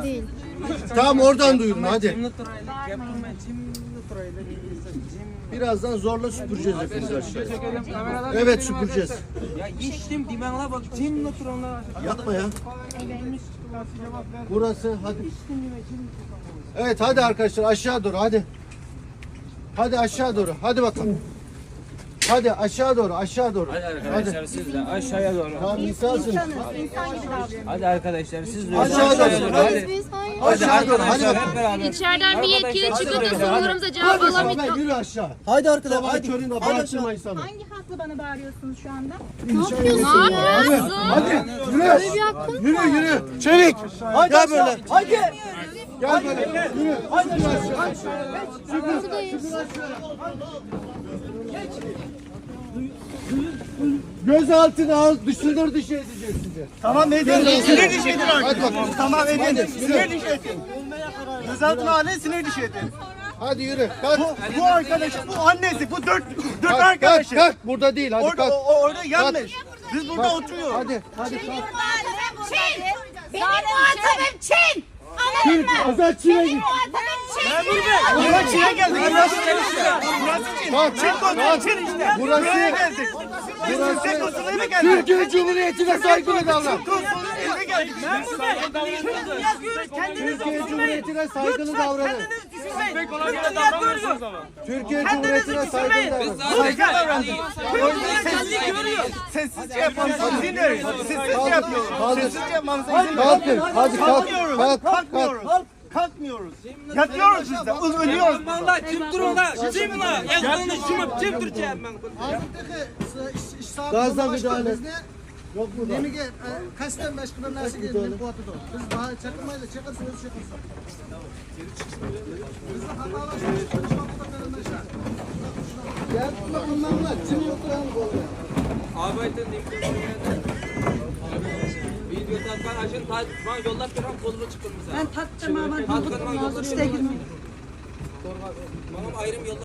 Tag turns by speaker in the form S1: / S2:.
S1: değil.
S2: Tamam oradan duyurun hadi. Birazdan zorla süpüreceğiz hepimiz aşağıya. Evet süpüreceğiz.
S3: Ya içtim dimenle bak cimle turanlar.
S2: Yapma ya. Burası hadi. Evet hadi arkadaşlar aşağı doğru hadi. Hadi aşağı doğru. Hadi bakalım. Hadi aşağı doğru aşağı doğru.
S3: Hadi arkadaşlar siz de aşağıya doğru.
S2: Tamam insansın.
S1: İnsan gibi davranıyor.
S3: Hadi arkadaşlar siz de
S2: Aşağı
S3: aşağıya
S2: doğru.
S3: doğru. Hadi.
S1: Biz hayır.
S3: Hadi
S2: Aşağı doğru hadi
S3: arkadaşlar
S2: bakalım.
S3: hep beraber.
S4: İçeriden bir yetkili çıkıp da sorularımıza cevap
S2: Hadi sen
S4: alamıyor.
S2: yürü aşağı.
S5: Haydi arkadaşlar.
S2: Sabah
S5: Haydi.
S2: köründe
S5: Haydi
S2: bağırtırma
S5: aşağı.
S2: insanı.
S6: Hangi hakla bana bağırıyorsunuz şu anda?
S1: Ne yapıyorsun ya?
S2: Hadi yürü. Yürü yürü. Çevik.
S5: Haydi
S2: Gel
S5: aşağı.
S2: böyle.
S5: Haydi.
S2: Gel böyle. Yürü.
S5: Haydi aşağı.
S2: Gözaltına al, dışındır dışı edeceğiz sizi.
S5: Tamam edin. Sinir dışı edin
S2: Hadi
S5: artık.
S2: bakalım.
S5: Tamam edin.
S2: Hadi,
S5: Sinir dışı edin. Gözaltına alın, sinir dışı edin.
S2: Hadi yürü. Kalk.
S5: Bu arkadaş, bu annesi, bu dört
S2: Kalk,
S5: arkadaşı.
S2: kalk. Burada değil. Hadi
S5: Orada,
S2: kalk.
S5: orada yanlış. Biz burada
S2: Kalk.
S5: oturuyoruz.
S2: Hadi. Hadi kalk.
S6: Çin! Benim muhatabım Çin! Anladın mı?
S2: Azat Çin'e
S6: Benim
S2: git.
S6: muhatabım Çin!
S5: Buraya Çin'e geldik. Burası Çin işte. Burası Çin.
S2: Kalk.
S5: Çin kodu, Çin işte.
S2: Burası-
S5: Buraya geldik. Biz Türkiye konsuluna geldik.
S2: Türkiye Cumhuriyeti'ne saygılı davran.
S5: Konsuluna geldik.
S2: Türkiye Cumhuriyeti'ne saygılı davranın. Türkiye Cumhuriyeti'ne saygılı davranın.
S5: Saygı davranın. Sessizce yapmamıza izin verin. Sessizce yapıyoruz.
S2: Kaldır.
S5: Sessizce yapmamıza izin verin.
S2: Kalkın. Hadi kalk.
S5: Kalkmıyoruz.
S2: Kalk. Kalk.
S5: Kalkmıyoruz. Kalkmıyoruz. Yatıyoruz biz de. Ölüyoruz.
S3: Valla kim durumda? Kim la? Yazılını şunu kim duracağım ben?
S2: Gazla müdahale. Yok burada.
S7: Nemiga qasddan boshqa bir narsaga nima qilyapti? Biz chaqirmaylik, chaqirsa o'zi chaqirsa. Bizni xatolashtirishga gapni qilmanglar, jim o'tiramiz bo'ldi.
S3: Arbeiten video tatkan açın bana yollap duran kolunu çıkın bize. Ben tattım ama. Tatkan bana yollap. Bana ayrım yollap.